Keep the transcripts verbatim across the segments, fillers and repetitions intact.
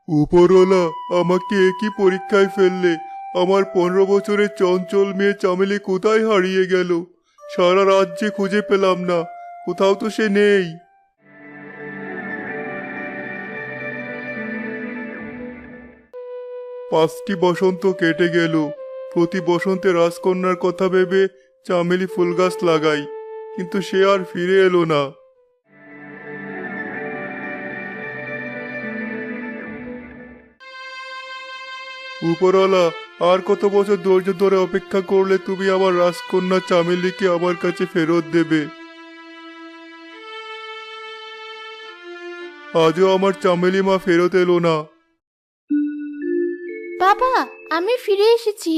উপরওয়ালা, আমাকে একই পরীক্ষায় ফেললে। আমার পনেরো বছরের চঞ্চল মেয়ে চামেলি কোথায় হারিয়ে গেল? সারা রাজ্যে খুঁজে পেলাম না, কোথাও তো সে নেই। পাঁচটি বসন্ত কেটে গেল। প্রতি বসন্তে রাজকন্যার কথা ভেবে চামেলি ফুল গাছ লাগাই, কিন্তু সে আর ফিরে এলো না। উপরওয়ালা, আর কত বছর ধৈর্য ধরে অপেক্ষা করলে তুমি আমার রাজকন্যা চামেলিকে আমার কাছে ফেরত দেবে? আজও আমার চামেলি মা ফেরত এলো না। বাবা, আমি ফিরে এসেছি।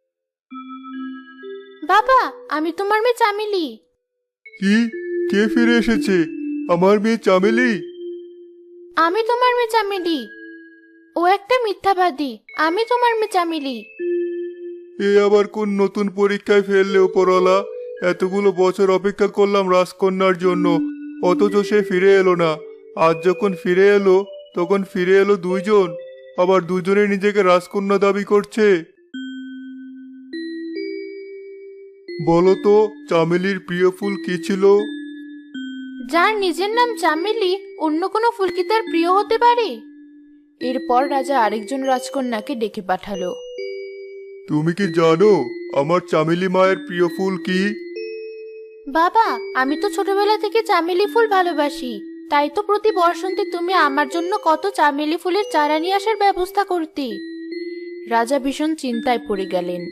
বাবা, আমি তোমার মেয়ে চামেলি। কি? কে ফিরে এসেছে? আমার মেয়ে চামেলি? আমি তোমার মেয়ে চামেলি। ও একটা মিথ্যাবাদী। আমি তোমার মেয়ে চামেলি। এ আবার কোন নতুন পরীক্ষায় ফেললে উপরওয়ালা? এতগুলো বছর অপেক্ষা করলাম রাজকন্যার জন্য, অথচ সে ফিরে এলো না। আজ যখন ফিরে এলো, তখন ফিরে এলো দুইজন, আবার দুজনে নিজেকে রাজকন্যা দাবি করছে। বলো তো, চামেলির প্রিয় ফুল কি ছিল? যার নিজের নাম চামেলি, অন্য কোনো ফুল কি তার প্রিয় হতে পারে? এরপর রাজা আরেকজন রাজকন্যাকে ডেকে পাঠালো। তুমি কি জানো আমার চামেলি মায়ের প্রিয় ফুল কি? বাবা, আমি তো ছোটবেলা থেকে চামেলি ফুল ভালোবাসি। তাই তো প্রতি বসন্তে তুমি আমার জন্য কত চামেলি ফুলের চারা নিয়ে আসার ব্যবস্থা করতে। রাজা ভীষণ চিন্তায় পড়ে গেলেন।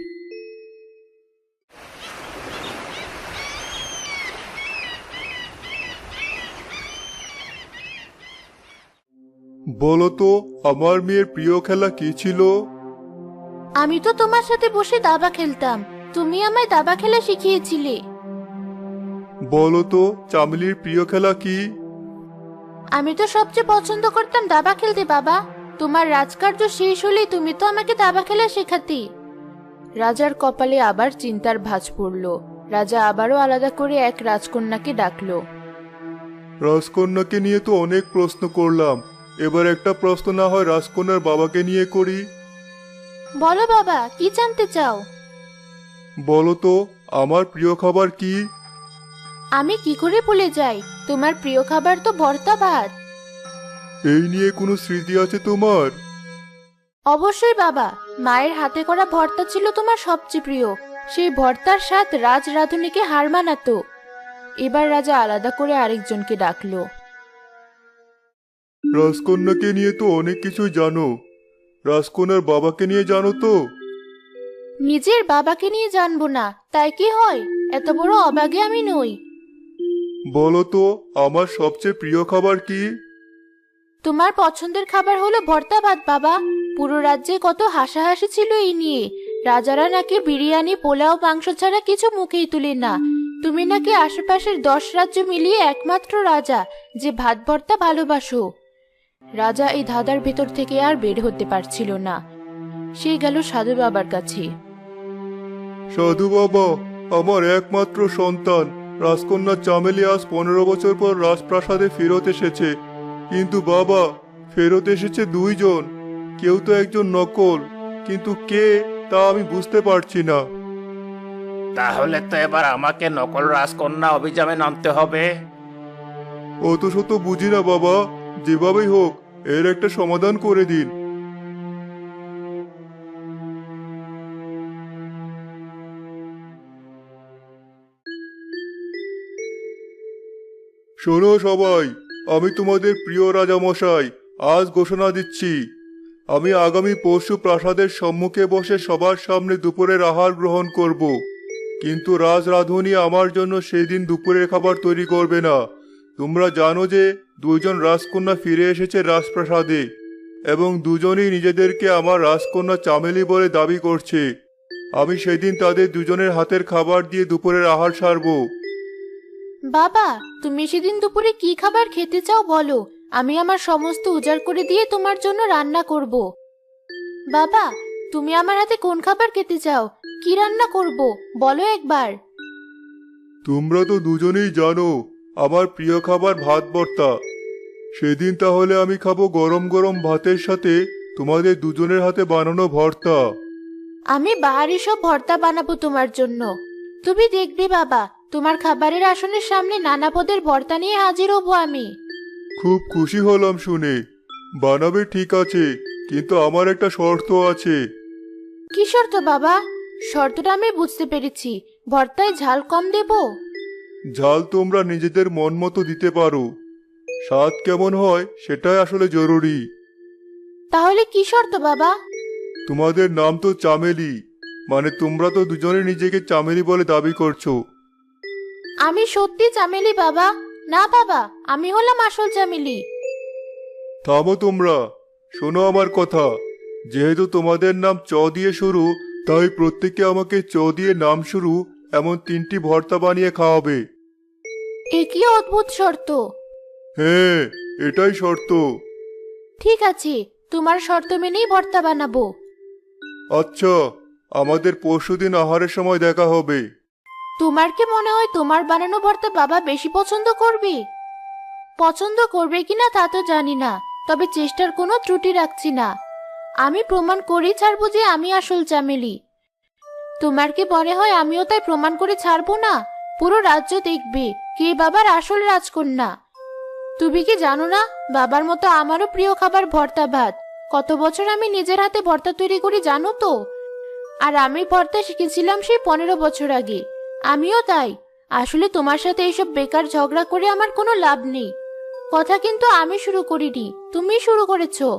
বলো তো, আমার মেয়ের প্রিয় খেলা কি ছিল? আমি তো তোমার সাথে বসে দাবা খেলতাম। তুমি আমায় দাবা খেলা শিখিয়েছিলে। বলো তো, চামেলির প্রিয় খেলা কি? আমি তো সবচেয়ে পছন্দ করতাম দাবা খেলতে বাবা। তোমার রাজকার্য শেষ হলেই তুমি তো আমাকে দাবা খেলা শেখাতে। রাজার কপালে আবার চিন্তার ভাঁজ পড়ল। রাজা আবারও আলাদা করে এক রাজকন্যাকে ডাকলো। রাজকন্যাকে নিয়ে তো অনেক প্রশ্ন করলাম, এবার একটা প্রশ্ন না হয় রাজকন্যার বাবাকে নিয়ে করি। বলো বাবা, কি জানতে চাও? বলো তো, আমার প্রিয় খাবার কি? আমি কি করে ভুলে যাই? তোমার প্রিয় খাবার তো ভর্তা ভাত। এই নিয়ে কোনো স্মৃতি আছে তোমার? অবশ্যই বাবা, মায়ের হাতে করা ভর্তা ছিল তোমার সবচেয়ে প্রিয়। সেই ভর্তার স্বাদ রাজ রাঁধুনিকে হার মানাতো। এবার রাজা আলাদা করে আরেকজনকে ডাকলো। রাজকন্যাকে নিয়ে তো অনেক কিছুই জানো, রাজকন্যার বাবাকে নিয়ে জানো তো? নিজের বাবাকে নিয়ে জানবো না তাই কি হয়? এত বড় অবাগে আমি নই। বলো তো, আমার সবচেয়ে প্রিয় খাবার কি? তোমার পছন্দের খাবার হলো ভর্তা ভাত বাবা। পুরো রাজ্যে কত হাসাহাসি ছিল এই নিয়ে। রাজারা নাকি বিরিয়ানি, পোলাও, মাংস ছাড়া কিছু মুখেই তুলে না। তুমি নাকি আশেপাশের দশ রাজ্য মিলিয়ে একমাত্র রাজা যে ভাত ভর্তা ভালোবাসো। রাজা এই ধাঁধার ভেতর থেকে আর বের হতে পারছিল না। সে গেল সাধু বাবার কাছে। সাধু বাবা, আমার একমাত্র সন্তান রাজকন্যা চামেলি আজ পনেরো বছর পর রাজপ্রাসাদে ফেরত এসেছে। কিন্তু বাবা, ফেরত এসেছে দুইজন, কেউ তো একজন নকল, কিন্তু কে তা আমি বুঝতে পারছি না। তাহলে তো এবার আমাকে নকল রাজকন্যা অভিযানে নামতে হবে। অত শত বুঝি না বাবা, যেভাবেই হোক এর একটা সমাধান করে দিন। শোনো সবাই, আমি তোমাদের প্রিয় রাজামশাই আজ ঘোষণা দিচ্ছি, আমি আগামী পরশু প্রাসাদের সম্মুখে বসে সবার সামনে দুপুরের আহার গ্রহণ করব। কিন্তু রাজ রাঁধুনি আমার জন্য সেই দিন দুপুরের খাবার তৈরি করবে না। তোমরা জানো যে দুইজন রাজকন্যা ফিরে এসেছে রাজপ্রাসাদে, এবং দুজনেই নিজেদেরকে আমার রাজকন্যা চামেলি বলে দাবি করছে। আমি সেদিন তাদের দুজনের হাতের খাবার দিয়ে দুপুরের আহার সারবো। বাবা, তুমি সেদিন দুপুরে কি খাবার খেতে চাও বলো। আমি আমার সমস্ত উজাড় করে দিয়ে তোমার জন্য রান্না করব। বাবা, তুমি আমার হাতে কোন খাবার খেতে চাও? কি রান্না করব বলো একবার। তোমরা তো দুজনেই জানো আমার প্রিয় খাবার ভাত ভর্তা। সেদিন তাহলে আমি খাবো গরম গরম ভাতের সাথে তোমাদের দুজনের হাতে বানানো ভর্তা। আমি বাহারি সব ভর্তা বানাবো তোমার জন্য। তুমি দেখবে বাবা, তোমার খাবারের আসনের সামনে নানা পদের ভর্তা নিয়ে হাজির হব আমি। খুব খুশি হলাম শুনে। বানাবে ঠিক আছে, কিন্তু আমার একটা শর্ত আছে। কি শর্ত বাবা? শর্তটা আমি বুঝতে পেরেছি, ভর্তায় ঝাল কম দেব। ঝাল তোমরা নিজেদের মন মতো দিতে পারো, স্বাদ কেমন হয় সেটাই আসলে জরুরি। তাহলে কি শর্ত বাবা? তোমাদের নাম তো চামেলি, মানে তোমরা তো দুজনে নিজেকে চামেলি বলে দাবি করছো। আমি সত্যি চামেলি বাবা। না বাবা, আমি হলাম আসল চামেলি। থামো তোমরা, শোনো আমার কথা। যেহেতু তোমাদের নাম চ দিয়ে শুরু, তাই প্রত্যেকে আমাকে চ দিয়ে নাম শুরু এমন তিনটি ভর্তা বানিয়ে খাওয়াবে। এ কি অদ্ভুত শর্ত! হ্যাঁ, এটাই শর্ত। ঠিক আছে, তোমার শর্ত মেনেই ভর্তা বানাবো। আচ্ছা, আমাদের পরশুদিন আহারের সময় দেখা হবে। তোমার কি মনে হয় তোমার বানানো ভর্তা বাবা বেশি পছন্দ করবে? পছন্দ করবে কিনা তা তো জানি না, তবে চেষ্টার কোনো ত্রুটি রাখছি না। আমি প্রমাণ করেই ছাড়বো যে আমি আসল চামেলি। তোমার কি মনে হয় আমিও তাই প্রমাণ করে ছাড়বো না? পুরো রাজ্য দেখবে কে বাবার আসল রাজকন্যা। তুমি কি জানো না, বাবার মতো আমারও প্রিয় খাবার ভর্তা ভাত। কত বছর আমি নিজের হাতে ভর্তা তৈরি করি জানো তো? আর আমি ভর্তা শিখেছিলাম সেই পনেরো বছর আগে। আমিও তাই। আসলে তোমার সাথে এইসব বেকার ঝগড়া করে আমার কোনো লাভ নেই। কথা কিন্তু আমি শুরু করিনি, তুমি শুরু করেছো।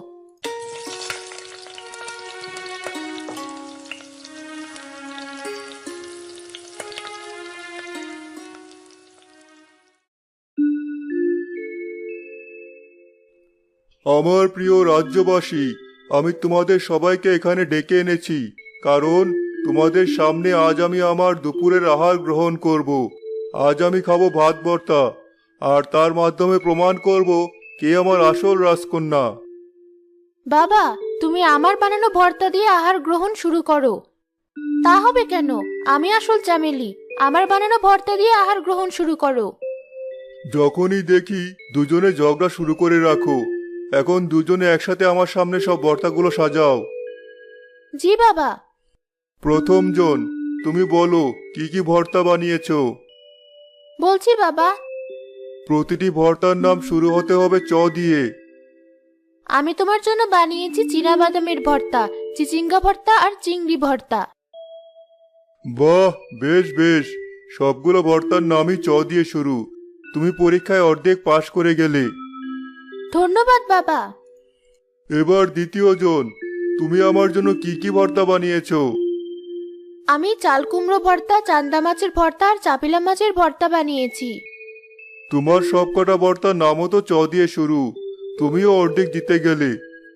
আমার প্রিয় রাজ্যবাসী, আমি তোমাদের সবাইকে এখানে ডেকে এনেছি, কারণ তোমাদের সামনে আজ আমি আমার দুপুরের আহার গ্রহণ করব। আজ আমি খাবো ভাত ভর্তা, আর তার মাধ্যমে প্রমাণ করব কে আমার আসল রাজকন্যা। বাবা, তুমি আমার বানানো ভর্তা দিয়ে আহার গ্রহণ শুরু করো। তা হবে কেন? আমি আসল চামেলি, আমার বানানো ভর্তা দিয়ে আহার গ্রহণ শুরু করো। যখনই দেখি দুজনে ঝগড়া শুরু করে রাখো। এখন দুজনে একসাথে আমার সামনে সব ভর্তাগুলো সাজাও। জি বাবা। প্রথম জন, তুমি বলো কি কি ভর্তা বানিয়েছো। বলছি বাবা। প্রতিটি ভর্তার নাম শুরু হতে হবে চ দিয়ে। আমি তোমার জন্য বানিয়েছি চীনা বাদামের ভর্তা, চিচিঙ্গা ভর্তা আর চিংড়ি ভর্তা। বাহ, বেশ বেশ, সবগুলো ভর্তার নামই চ দিয়ে শুরু। তুমি পরীক্ষায় অর্ধেক পাশ করে গেলে। ধন্যবাদ বাবা। এবার দ্বিতীয় জন, তুমি আমার জন্য কি কি ভর্তা বানিয়েছো। আমি চাল কুমড়ো ভর্তা, চান্দা মাছের ভর্তা আর চাপিলা মাছের ভর্তা বানিয়েছি। তোমার সবকটা ভর্তার নামও তো চ দিয়ে শুরু। তুমিও অর্ধেক জিতে গেলে।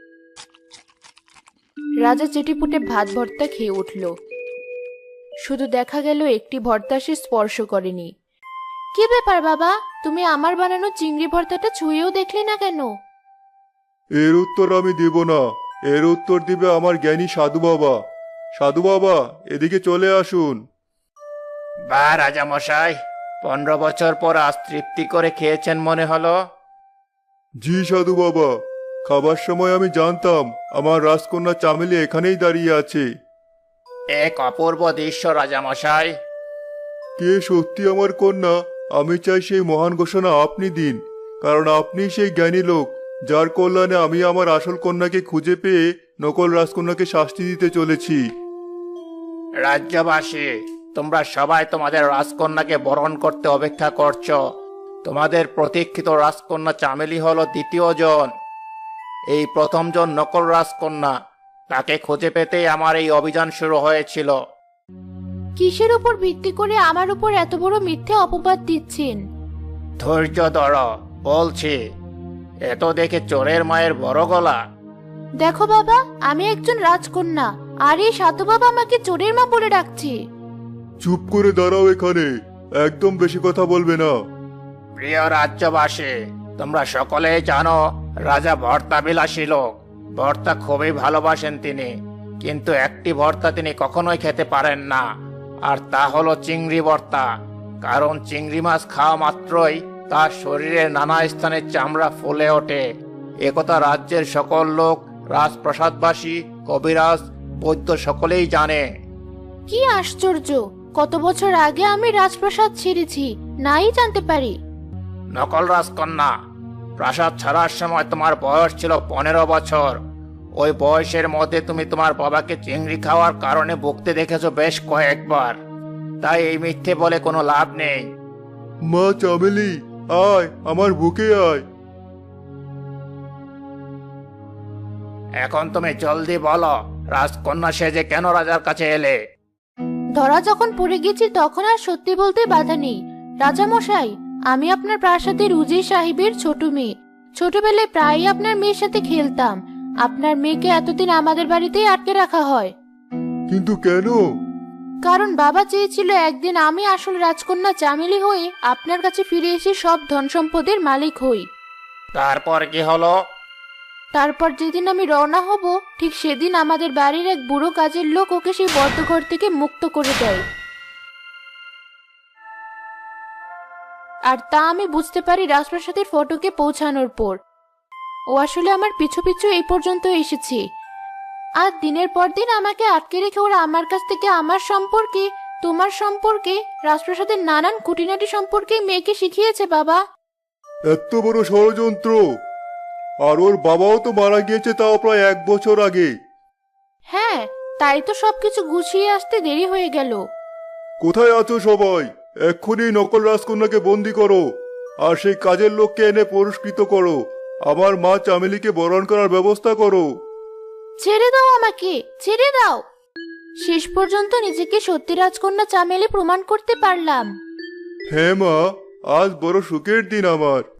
রাজা চেটিপুটে ভাত ভর্তা খেয়ে উঠল। শুধু দেখা গেল একটি ভর্তা সে স্পর্শ করেনি। কি ব্যাপার বাবা, তুমি আমার বানানো চিংড়ি ভর্তাটা ছুঁয়েও দেখলে না কেন? এর উত্তর আমি দেব না, এর উত্তর দিবে আমার জ্ঞানী সাধু বাবা। সাধু বাবা, এদিকে চলে আসুন। বা রাজা মশাই, পনেরো বছর পর আজ তৃপ্তি করে খেয়েছেন মনে হলো। জি সাধু বাবা, খাবার সময় আমি জানতাম আমার রাজকন্যা চামেলি এখানেই দাঁড়িয়ে আছে। এক অপূর্ব দৃশ্য রাজা মশাই। কে সত্যি আমার কন্যা, আমি চাই সেই মহান ঘোষণা আপনি দিন, কারণ আপনি সেই জ্ঞানী লোক যার কল্যাণে আমি আমার আসল কন্যাকে খুঁজে পেয়ে নকল রাজকন্যাকে শাস্তি দিতে চলেছি। রাজ্যবাসী, তোমরা সবাই তোমাদের রাজকন্যাকে বরণ করতে অপেক্ষা করছো। তোমাদের প্রতীক্ষিত রাজকন্যা চামেলি হলো দ্বিতীয় জন। এই প্রথম জন নকল রাজকন্যা, তাকে খুঁজে পেতেই আমার এই অভিযান শুরু হয়েছিল। কিসের উপর ভিত্তি করে আমার উপর এত বড় মিথ্যে অপবাদ দিচ্ছেন? ধৈর্য ধর, বলছি। এত দেখে চোরের মায়ের বড় গলা। দেখো বাবা, আমি একজন রাজকন্যা, আর এই সাধু বাবা আমাকে চোরের মা বলে ডাকছে। চুপ করে দাঁড়াও এখানে, একদম বেশি কথা বলবে না। প্রিয় রাজ্যবাসী, তোমরা সকলেই জানো রাজা ভর্তা বিলাসী লোক। ভর্তা খুবই ভালোবাসেন তিনি, কিন্তু একটি ভর্তা তিনি কখনোই খেতে পারেন না, আর তা হলো চিংড়ি ভর্তা। কারণ চিংড়ি মাছ খাওয়া মাত্রই তার শরীরের নানা স্থানে চামড়া ফুলে ওঠে। একথা রাজ্যের সকল লোক, রাজপ্রাসাদবাসী, কবিরাজ, বৈদ্য সকলেই জানে। কি আশ্চর্য! কত বছর আগে আমি রাজপ্রাসাদ ছেড়েছি, নাই জানতে পারি। নকল রাজকন্যা, প্রাসাদ ছাড়ার সময় তোমার বয়স ছিল পনেরো বছর। ওই বয়সের মধ্যে তুমি তোমার বাবাকে চিংড়ি খাওয়ার কারণে ভুগতে দেখেছো বেশ কয়েকবার। তাই এই মিথ্যে বলে কোনো লাভ নেই। মা চামেলি, আয় আমার বুকে আয়। এখন তুমি জলদি বলো, রাজকন্যা সেজে কেন রাজার কাছে এলে? ধরা যখন পড়ে গেছি তখন আর সত্যি বলতে বাধা নেই। রাজা মশাই, আমি আপনার প্রাসাদের উজির সাহেবের ছোট মেয়ে। ছোটবেলায় প্রায়ই আপনার মেয়ের সাথে খেলতাম। আপনার মেয়েকে এতদিন আমাদের বাড়িতেই আটকে রাখা হয়। কিন্তু কেন? কারণ বাবা চেয়েছিল একদিন আমি আসল রাজকন্যা চামেলি হয়ে আপনার কাছে ফিরে এসে সব ধন সম্পদের মালিক হই। তারপর কি হলো? তারপর যেদিন আমি রওনা হব, ঠিক সেদিন আমাদের বাড়ির এক বুড়ো কাজের লোক ওকে সেই বদ্ধঘর থেকে মুক্ত করে দেয়। আর তা আমি বুঝতে পারি রাজপ্রাসাদের ফটকে পৌঁছানোর পর। ও আসলে আমার পিছু পিছু এই পর্যন্ত এসেছে। আর দিনের পর দিন আমাকে আটকে রেখে ওরা আমার কাছ থেকে আমার সম্পর্কে, তোমার সম্পর্কে, রাজপ্রাসাদের নানান খুঁটিনাটি সম্পর্কে মেয়েকে শিখিয়েছে। বাবা, এত বড় ষড়যন্ত্র! আর ওর বাবাও তো মারা গিয়েছে, তাও প্রায় এক বছর আগে। হ্যাঁ, তাই তো সবকিছু গুছিয়ে আসতে দেরি হয়ে গেল। কোথায় আছো সবাই? এক্ষুনি নকল রাজকন্যাকে বন্দি করো, আর সেই কাজের লোককে এনে পুরস্কৃত করো। আমার মা চামেলিকে বরণ করার ব্যবস্থা করো। ছেড়ে দাও আমাকে, ছেড়ে দাও। শেষ পর্যন্ত নিজেকে সত্যি রাজকন্যা চামেলি প্রমাণ করতে পারলাম। হ্যাঁ মা, আজ বড় সুখের দিন আমার।